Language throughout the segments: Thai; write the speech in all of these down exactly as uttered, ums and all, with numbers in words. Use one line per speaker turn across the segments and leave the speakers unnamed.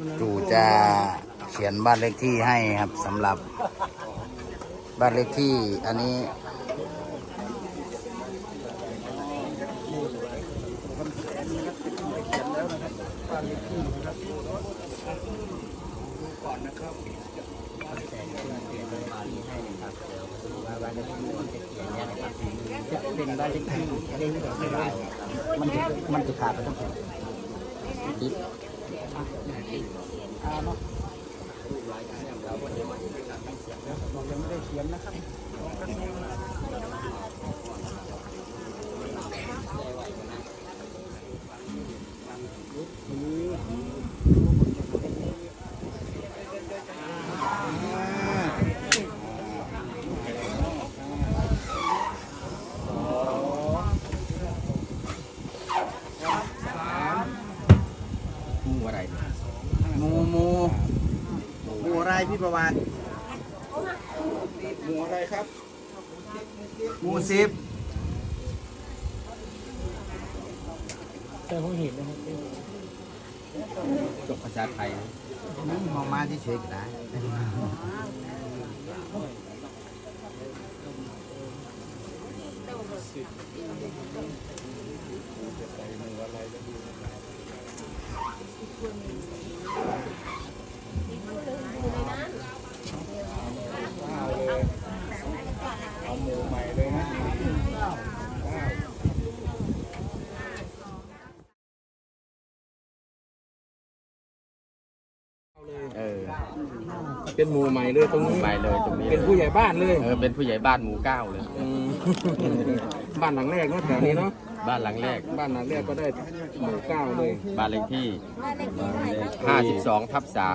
จู่จะเขียนบ้านเลขที่ให้ครับสำหรับบ้านเลขที่อันนี้
จะเป็นบ้านเลขที่เล่นแบบไม่ได้มันจะมันจะขาดไปทั้งหมดดิบอ่าเนาะบอกยังไม่ได้เขียนนะครับมูมูมูอะไรพี่ประวัติมูอะไรครับมูสิบแต่ผมเห็นนะครับจบภาษาไทยนี่มองมาที่เฉยก็ได้เอาหมูใหม่เลยนะเออเป็นหมู่ใหม่เลยตรงนี้ใหม่เลยตรงนี้เป็นผู้ใหญ่บ้านเลยเออเป็นผู้ใหญ่บ้านหมู่เก้าเลยบ้านหลังแรกเนาะแถวนี้เนาะบ้านหลังแรกบ้านหลังแรกก็ได้หมู่เก้าเลยบ้านเลขที่ห้าสิบสองทับสาม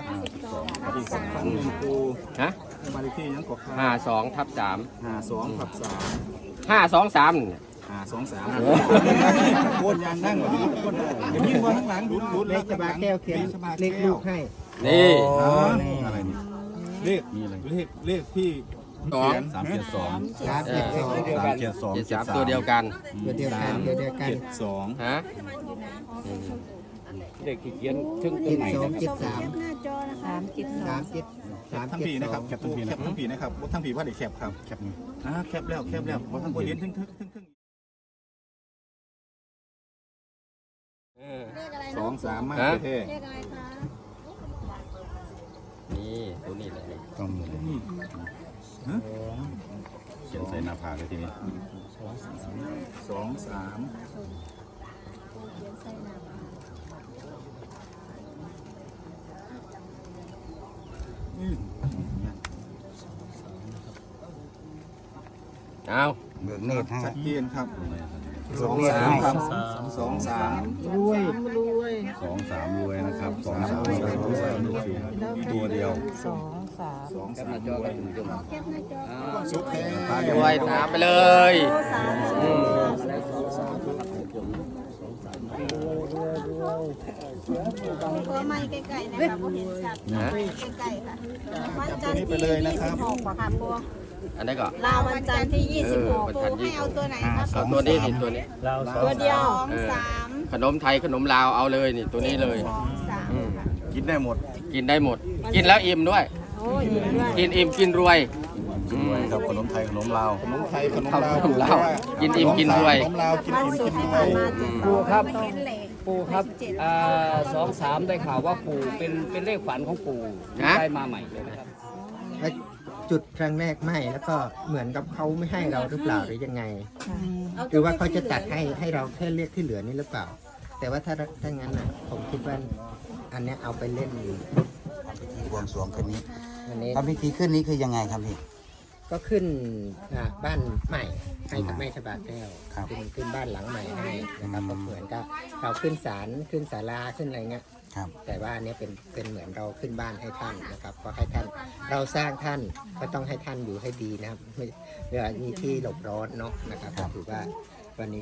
ฮะบ้านเลขที่ยังกดห้าสองทับสามห้าสองทับสามห้าสองสามห้าสองสามโคตรยังนั่งแบบนี้คนได้เดี๋ยวมีมาข้างหลังดูดูเลขชบาแก้วเขียนเลขลูกให้นี่อะไรนี่เลขมีอะไรเลขเลขที่สองสามเจ็ดสองสามเจ็ดสองสามเจ็ดสองเจ็ดสามตัวเดียวกันตัวเดียวกันตัวเดียวกันเจ็ดสองฮะเด็กเขียนถึงตัวไหนนะครับเจ็ดสามหน้าจอนะคะสามเจ็ดสามเจ็ดสามทั้งผีนะครับแคปทั้งผีแคปทั้งผีนะครับว่าทั้งผีว่าเด็กแคปครับแคปนี่อ่าแคปแล้วแคปแล้วว่าทั้งคนเห็นทึ่งทึ่งทึ่งทึ่งสองสามมากเท่เลขอะไรคะนี่ตัวนี้เลยต้องนี่เขียนใส่หน้าผากเลยทีนี้สองสามเอาเบิกเนตรให้ชัดเจนครับสองสามครับสองสามรวยรวยสองสามรวยนะครับสองสามรวยตัวเดียวสองสามสองสามรวยสุขแท้รวยตามไปเลยตัวไม้ไก่ๆนะคะผมเห็นชัดไก่ๆค่ะวันจันทร์ที่ยี่สิบหกค่ะพวกอันนี้ก็ลาวันจันทร์ที่ยี่สิบหกปูให้เอาตัวไหนครับเอาตัวนี้นี่ตัวนี้ตัวเดียวสองสามขนมไทยขนมลาวเอาเลยนี่ตัวนี้เลยกินได้หมดกินได้หมดกินแล้วอิ่มด้วยกินอิ่มกินรวยครับขนมไทยขนมลาวขนมไทยขนมลาวกินอิ่มกินรวยขนมลาวกินอิ่มกินรวยปูครับปูครับสองสามได้ข่าวว่าปูเป็นเป็นเลขฝันของปูได้มาใหม่เลยนะครับจุดครั้งแรกไม่แล้วก็เหมือนกับเขาไม่ให้เราหรือเปล่าหรือยังไงหรือว่าเขาจะตัดให้ให้เราแค่เรียกที่เหลือนี่หรือเปล่าแต่ว่าถ้าถ้างั้นนะผมคิดว่าอันนี้เอาไปเล่นบวงสรวงคืนนี้ทำพิธีขึ้นนี้คือยังไงครับพี่ก็ขึ้นบ้านใหม่ให้กับแม่ชบาแก้วขึ้นขึ้นบ้านหลังใหม่ให้นะครับก็เหมือนกับเราขึ้นศาลขึ้นศาลาขึ้นอะไรเงี้ยแต่ว่าอันนี้เป็นเป็นเหมือนเราขึ้นบ้านให้ท่านนะครับก็ให้ท่านเราสร้างท่านก็ต้องให้ท่านอยู่ให้ดีนะครับเวลามีที่หลบร้อนเนาะนะครับก็ถือว่าวันนี้ก็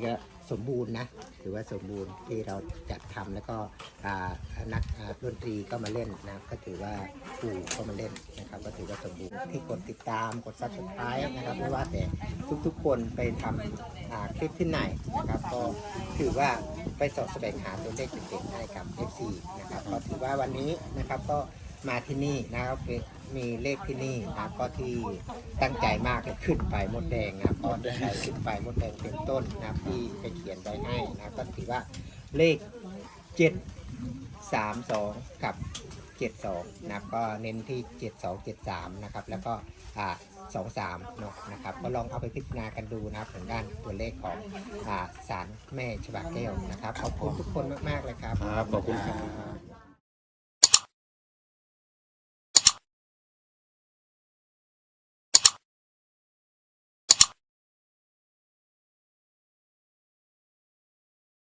สมบูรณ์นะถือว่าสมบูรณ์ที่เราจัดทำแล้วก็อ่านักอ่าดนตรีก็มาเล่นนะก็ถือว่าครูก็มาเล่นนะครับก็ถือว่าสมบูรณ์ที่กดติดตามกด ซับสไครบ์ นะครับไม่ว่าแต่ทุกๆคนไปทำอ่าคลิปที่ไหนนะครับก็ถือว่าไปสอบแสวงหาตัวเลขเด็ดๆให้กับ เอฟ ซี นะครับก็ถือว่าวันนี้นะครับก็มาที่นี่นะครับมีเลขที่นี่นะครับก็ที่ตั้งใจมากเลยขึ้นไปมดแดงนะครับก็ได้ขึ้นไปมดแดงเป็นต้นนะครับที่ไปเขียนไว้ให้นะครับก็ถือว่าเลขเจ็ดสามสองกับเจ็ดสองนะครับก็เน้นที่เจ็ดสองเจ็ดสามนะครับแล้วก็อ่าสองสามเนาะนะครับก็ลองเอาไปพิจารณากันดูนะครับทางด้านตัวเลขของอ่าศาลแม่ฉบับแก้วนะครับขอบคุณทุกคนมากๆเลยครับ
ครับขอบคุณครับ